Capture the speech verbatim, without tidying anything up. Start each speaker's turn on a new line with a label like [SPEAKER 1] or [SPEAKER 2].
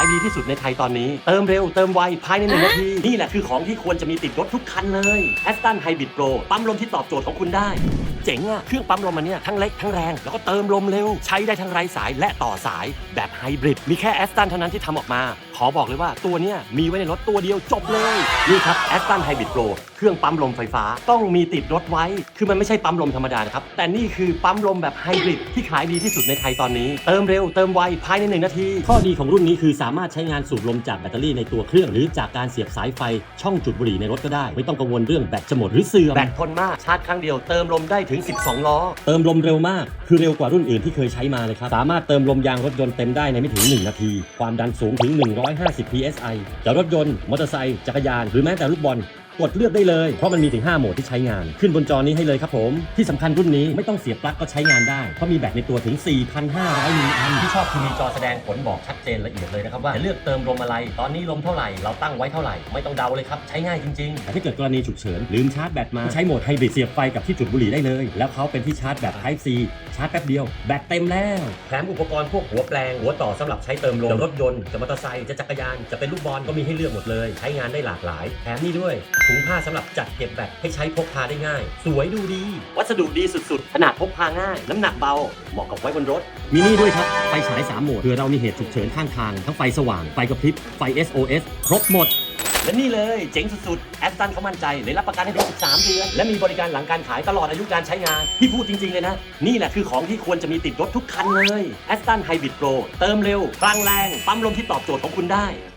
[SPEAKER 1] ดีที่สุดในไทยตอนนี้เติมเร็วเติมไวภายในหนึ่งนาทีนี่แหละคือของที่ควรจะมีติดรถทุกคันเลย Aston Hybrid Pro ปั๊มลมที่ตอบโจทย์ของคุณได้เจ๋งอะเครื่องปั๊มลมมันเนี่ยทั้งเล็กทั้งแรงแล้วก็เติมลมเร็วใช้ได้ทั้งไร้สายและต่อสายแบบไฮบริดมีแค่ Aston เท่านั้นที่ทำออกมาขอบอกเลยว่าตัวเนี้ยมีไว้ในรถตัวเดียวจบเลยนี่ครับ Aston Hybrid Pro เครื่องปั๊มลมไฟฟ้าต้องมีติดรถไว้คือมันไม่ใช่ปั๊มลมธรรมดานะครับแต่นี่คือปั๊มลมแบบไฮบริดที่ขายดีที่สุดในไทยตอนนี้เติมเร็วเติมไวภายในหนึ่งนาทีข้อดีของรุ่นนี้คือสามารถใช้งานสูบลมจากแบตเตอรี่ในตัวเครื่องหรือจากการเสียบสายไฟช่องจุดบุหรี่ในรถก็ได้ไม่ต้องกังวลเรื่องแบตจะหมดหรือเสื่อมแบตทนมากชาร์จครั้งเดียวเติมลมได้ถึงสิบสองล้อเติมลมเร็วมากคือเร็วกว่ารุ่นอื่นที่เคยใช้มาเลยครับสามารถเติมลมยางรถยนต์เต็มได้ในไม่ถึงหนึ่งนาทีความดันสูงถึงหนึ่งร้อยห้าสิบ พี เอส ไอ จะรถยนต์มอเตอร์ไซค์จักรยานหรือแม้แต่ลูกบอลกดเลือกได้เลยเพราะมันมีถึงห้าโหมดที่ใช้งานขึ้นบนจอนี้ให้เลยครับผมที่สำคัญรุ่นนี้ไม่ต้องเสียบปลั๊กก็ใช้งานได้เพราะมีแบตในตัวถึง สี่พันห้าร้อย มิลลิแอมป์ที่ชอบคือมีจอแสดงผลบอกชัดเจนละเอียดเลยนะครับว่าจะเลือกเติมลมอะไรตอนนี้ลมเท่าไหร่เราตั้งไว้เท่าไหร่ไม่ต้องเดาเลยครับใช้ง่ายจริงๆแต่ถ้าเกิดกรณีฉุกเฉินลืมชาร์จแบตมาใช้โหมดไฮบริดเสียบไฟกับที่จุดบุหรี่ได้เลยแล้วเขาเป็นที่ชาร์จแบบ Type C ชาร์จแป๊บเดียวแบตเต็มแล้วแถมอุปกรณ์พวกหัวแปลงหัวต่อสำหรับใช้เติมลมจะรถยนต์จะมอเตอร์ไซค์จะจักรยานจะเป็นลูกบอลก็มีให้เลือกหมดเลยใช้งานได้หลากหลายแถมนี่ด้วยถุงผ้าสำหรับจัดเก็บแบตให้ใช้พกพาได้ง่ายสวยดูดีวัสดุดีสุดๆขนาดพกพาง่ายน้ำหนักเบาเหมาะกับไว้บนรถมีนี่ด้วยครับไฟฉายสามโหมดเผื่อเรามีเหตุฉุกเฉินข้างทางทั้งไฟสว่างไฟกระพริบไฟ เอส โอ เอส ครบหมดและนี่เลยเจ๋งสุดๆ Aston เขามั่นใจเลยรับประกันให้ถึงสิบสามเดือนและมีบริการหลังการขายตลอดอายุการใช้งานที่พูดจริงๆเลยนะนี่แหละคือของที่ควรจะมีติดรถทุกคันเลย Aston Hybrid Pro เติมเร็วพลังแรงปั๊มลมที่ตอบโจทย์ของคุณได้